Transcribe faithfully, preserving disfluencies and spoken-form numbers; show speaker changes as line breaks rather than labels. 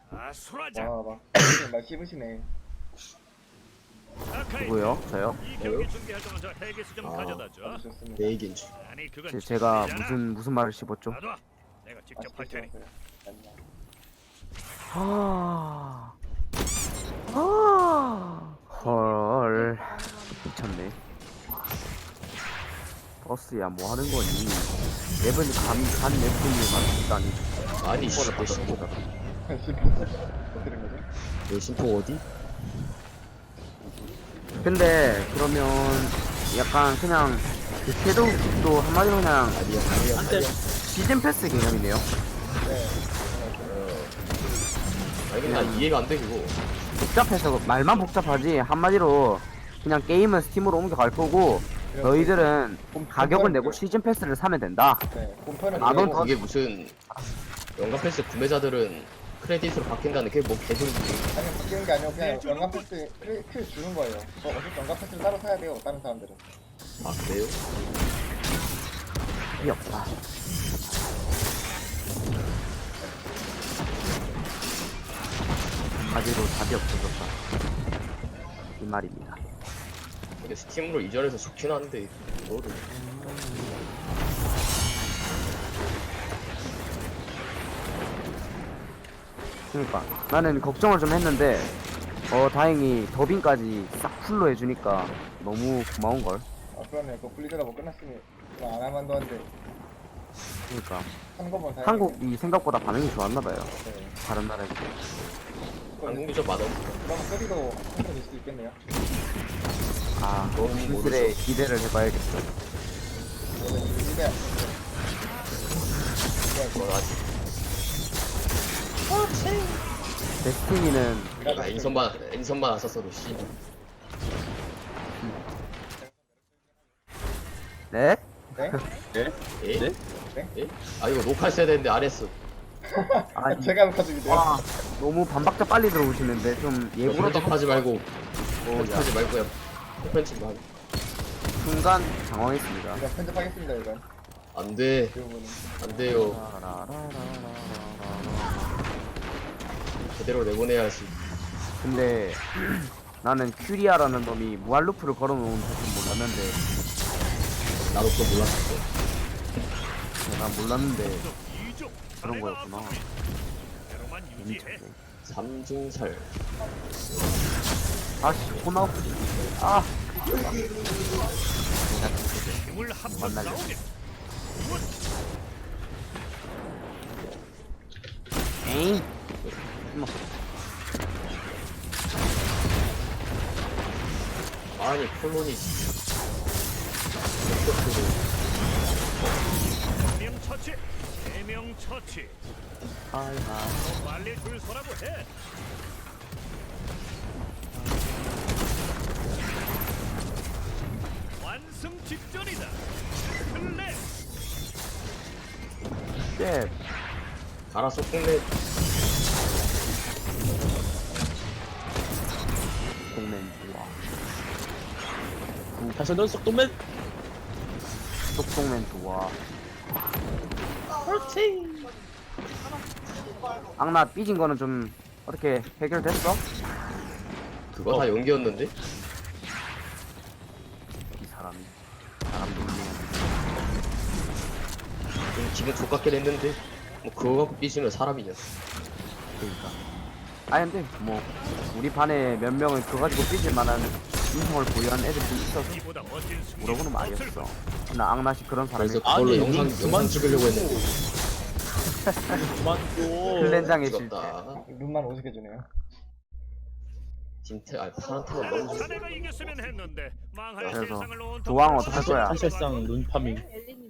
아수라장.
와막 말 씹으시네.
아카이.
누구요? 저요?
이 경기 준비할 동안 저 헬기수 좀
아,
가져다 줘.
아주 좋습니다.
내 얘기인 줄.
아니 그건
제, 제가
진짜잖아.
무슨 무슨 말을 씹었죠?
놔둬. 내가 직접 할
맛있게
테니.
씹었어요. 아니야.
아, 아, 헐, 미쳤네. 버스야 뭐 하는 거니? 맵은 감간 맵뿐이만 있다니.
아니 씨, 내 심포
어떻게 된 거죠?
내 심포 어디?
근데 그러면 약간 그냥 그 섀도우도 한마디로 그냥
아니야 아니야 아니야.
시즌 패스 개념이네요.
네.
아니 근데 나 이해가 안 돼 그거.
복잡해서 말만 복잡하지 한마디로 그냥 게임은 스팀으로 옮겨갈 거고 너희들은 가격을 내고 시즌 패스를 사면 된다.
네. 본편은
아, 넌
이해하고
그게 무슨 연간 패스 구매자들은 크레딧으로 바뀐다는 게 뭐 개소리지.
아니 바뀌는 게 아니고 그냥 연간 패스 킬, 킬 주는 거예요. 어, 어차피 연간 패스를 따로 사야 돼요. 다른 사람들은.
아 그래요?
답이 없다. 한마디로 답이 없어졌다. 이 말입니다.
근데 스팀으로 이전해서 좋긴 한데 이거를
그러니까 나는 걱정을 좀 했는데 어 다행히 더빙까지 싹 풀로 해주니까 너무 고마운 걸.
아 그러네. 그 분리되다 뭐 끝났으니 뭐 안 하만도 한데
그러니까
한 거만 사야
한국이 생각보다 반응이 좋았나 봐요.
네.
다른 나라에 비해.
한국 유저 맛없어.
그럼 소리도 한편일 수도 있겠네요.
아,
너무
진실에 기대를 해봐야겠어.
저는 이게
그건 아직
데스티니는
아 인선만 인선만 안 썼어도 씨.
네?
네?
예?
네?
예? 아 이거 녹화했어야 되는데 안 했어.
아니,
제가 녹화 중인데요.
와, 너무 반박자 빨리 들어오시는데 좀 예고로 좀
편집하지 말고 편집하지 말고 그냥 편집 만
순간 당황했습니다.
이거 편집하겠습니다 이건.
안돼
이 부분은.
안 돼요. 제대로 내보내야지.
근데 나는 큐리아라는 놈이 무한루프를 걸어놓은 줄은 몰랐는데
나도 그거 몰랐어.
내가 몰랐는데
이족.
그런 거였구나.
대로만 유지해.
재밌었네.
삼중살.
아씨 호나우 아
힘을 합쳐
만날래.
싸우게.
에잉 뭐,
아니 콜론이
명 처치. 세명 처치.
아이하
더 빨리 줄 서라고 해. 완승 직전이다. 클레.
쉣
가라 소풍내.
동맨 좋아
다시 넌 쏙도맨
똑동맨 좋아 악나 삐진 거는 좀 어떻게 해결됐어?
그거 다 연기였는데?
이 사람이 사람 놀리는
좀 기분 족같긴 했는데 뭐 그거 갖고 삐지면 사람이냐.
그러니까 아니 근데 뭐 우리 반에 몇 명은 그거 가지고 삐질 만한 인성을 보유한 애들이 있어서
이보다 멋진 승리.
물어보는 말이었어. 나 악나시 그런 사람이
그래서 그걸로
아니,
영상
그만
영상 찍으려고 했는데
그만 좀
클렌장의 실패.
찍었다.
눈만 오죽해주네요.
김태 아 파란팀은 너무 좋.
자네가 이겼으면 했는데 망할
그래서
세상을 온통
조항 어떡할 거야?
사실상 눈파밍